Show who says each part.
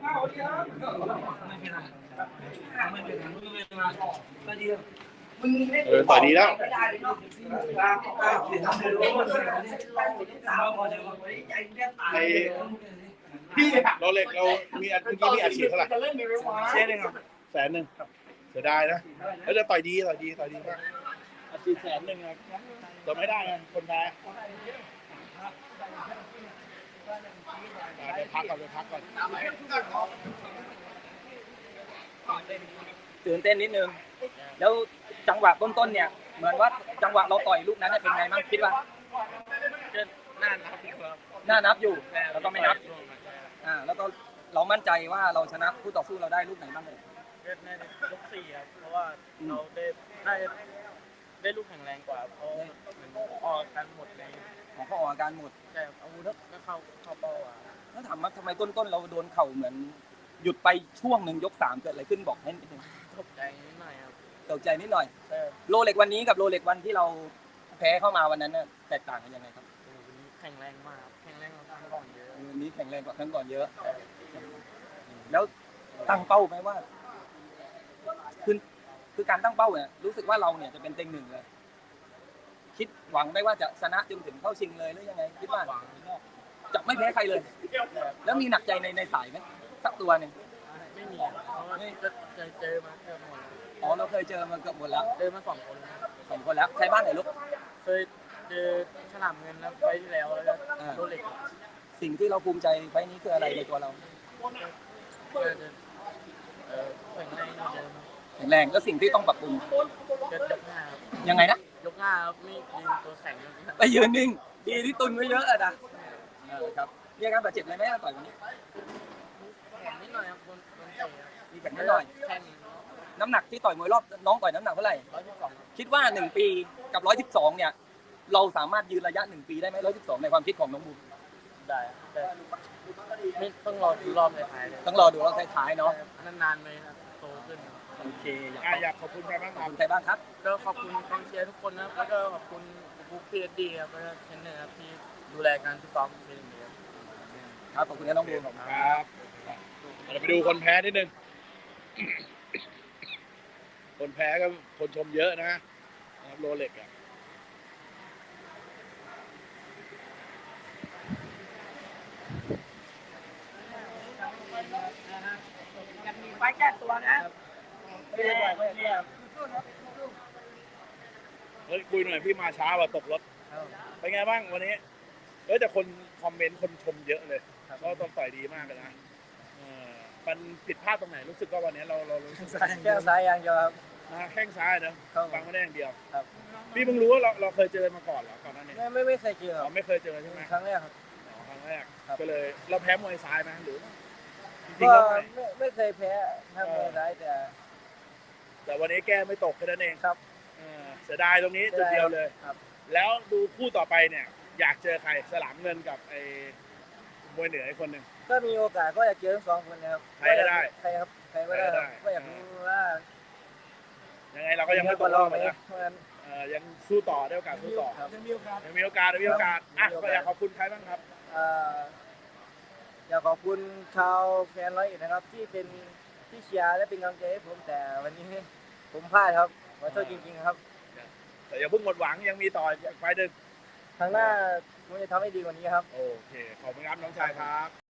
Speaker 1: ต่อยดีแล้วไอ้พี่เราเล็กเรามีเมื่อกี้มีอาชีพเท่าไหร่100,000เสียดายนะแล้วจะต่อยดีมากอาชีพ100,000ครับต่อไม่ได้ไงคนแพ้ไปพักก่อน
Speaker 2: ตื่นเต้นนิดนึงแล้วจังหวะต้นๆเนี่ยเหมือนว่าจังหวะเราต่อยลูกนั้นเป็นไงบ้างคิดว่าน่านับอยู่แล้วก็ไม่นับแล้วก็เรามั่นใจว่าเราชนะคู่ต่อสู้เราได้ลูกไหนบ้างเลย
Speaker 3: ในยก4ครับเพราะว่าเราได้ลูกแข็งแรงกว่าเพราะมันออกกันหมดเลย
Speaker 2: เขาออกอาการหมด
Speaker 3: ใช่อาวุธก็เข้าเป้า
Speaker 2: แล้วถามว่าทำไมต้นๆเราโดนเข่าเหมือนหยุดไปช่วงหนึ่งยก3เกิดอะไรขึ้นบอกให้นิดนึง
Speaker 3: ตกใจนิดหน่อยครับ
Speaker 2: ตกใจนิดหน่อยโลเล็กวันนี้กับโลเล็กวันที่เราแพ้เข้ามาวันนั้นเนี่ยแตกต่างกันยังไงครับ
Speaker 3: วันนี้แข็งแรงมากแข็งแรงกว่าครั้งก่อนเยอะ
Speaker 2: วันนี้แข็งแรงกว่าครั้งก่อนเยอะแล้วตั้งเป้าไหมว่าคือการตั้งเป้าเนี่ยรู้สึกว่าเราเนี่ยจะเป็นเต็ง1เลยคิดหวังได้ว่าจะชนะจนถึงเข้าชิงเลยหรือยังไงคิดว่าจะไม่แพ้ใครเลยแล้วมีหนักใจในสายไหมสักตัวหนึ่ง
Speaker 3: ไม่มีเพราะว่าเคยเจอมาเกือบหมด
Speaker 2: เราเคยเจอมาเกือบหมดแล้ว
Speaker 3: เจอมา2 คน
Speaker 2: แล้วใครบ้างไหนลูก
Speaker 3: เคยเจอฉลามเงินแล้วไปที่แล้วก็โรเล็ก
Speaker 2: สิ่งที่เราภูมิใจไฟนี้คืออะไรในตัวเราแข็งแรงแล้วสิ่งที่ต้องปรับปรุงยังไงนะ
Speaker 3: ยกหน้าครับไม่ยืนตัวแข็ง
Speaker 2: ไปยืนนิ่งดีที่ตุนไว้เยอะอะนะครับมีอาการบาดเจ็บอะไรไหมต่อยวันนี้
Speaker 3: นิดหน่อยครับ
Speaker 2: มีแบบนิดหน่อยน้ำหนักที่ต่อยมวยรอบน้องต่อยน้ำหนักเท่าไหร่
Speaker 3: 112
Speaker 2: คิดว่า1 ปีกับ112เนี่ยเราสามารถยืนระยะ1 ปีได้ไหม112ในความคิดของน้องบูม
Speaker 3: ได้ไม่ต้องรอดูรอบท้ายเลย
Speaker 2: ต้องรอดูรอบท้ายเนาะ
Speaker 3: นานๆเลยครับโตขึ้น
Speaker 2: โอเค
Speaker 1: อยากขอบคุณใครบ้าง
Speaker 2: ครับ
Speaker 3: ก็ขอบคุณกองเชียร์ทุกคนนะแล้วก็ขอบคุณบุ๊คพีเอสดีครับแล้วก็เทรนเนอร์ครับที่ดูแลการฟิตซ้อมเป็นอย่างดี
Speaker 2: ครับขอบคุณน้องบูม
Speaker 1: ครับเราไปดูคนแพ้นิดนึงคนแพ้ก็คนชมเยอะนะโรเล็กอะ
Speaker 4: ไว้แก้ตัวนะ
Speaker 1: คุยหน่อยพี่มาช้าว่าตกรถเป็นไงบ้างวันนี้แต่คนคอมเมนต์คนชมเยอะเลยก็ต้องต่อยดีมากเลยนะมันผิดพลาดตรงไหนรู้สึกว่าวันนี้เรา
Speaker 2: แค่ซ้ายอย่างเดียวครับ
Speaker 1: แข้งซ้ายนะฟังไม่ได้อย่างเดียวพี่เพิ่งรู้ว่าเราเคยเจอมาก่อนเหรอก่อนหน้านี้
Speaker 2: ไม่เคยเจอ
Speaker 1: ไม่เคยเจอใช่ไหม
Speaker 2: ครั้งแรกครับ
Speaker 1: ก็เลยเราแพ้มวยซ้ายไหมหรือ
Speaker 2: ก็ไม่เคยแพ้มวยซ้าย
Speaker 1: แต่วันนี้แก้ไม่ตกแค่นั้นเอง
Speaker 2: ครับ
Speaker 1: เสียดายตรงนี้จุดเดียวเลยแล้วดูคู่ต่อไปเนี่ยอยากเจอใครฉลามเงินกับไอ้มวยเหนืออีกคนหนึ่ง
Speaker 2: ก็มีโอกาสก็อยากเจอทั้ง2 คนนะครับ
Speaker 1: ใครก็ได้
Speaker 2: ใครก็ได้ก็อยากรู้ว่า
Speaker 1: ยังไงเราก็ยังไม่ตกรอบนะยังสู้ต่อได้โอกาสสู้ต่อยังมีโอกาสก็อยากขอบคุณใครบ้างครับ
Speaker 2: อยากขอบคุณชาวแฟน101นะครับที่เชียร์และเป็นกำลังใจให้ผมแต่วันนี้ผมพลาดครับขอโทษจริงๆครับ
Speaker 1: แต่อย่าเพิ่งหมดหวังยังมีต่อไฟดึก
Speaker 2: ครั้งหน้าผมจะทำให้ดีกว่านี้ครับ
Speaker 1: โอเคขอบคุณครับน้องชายครับ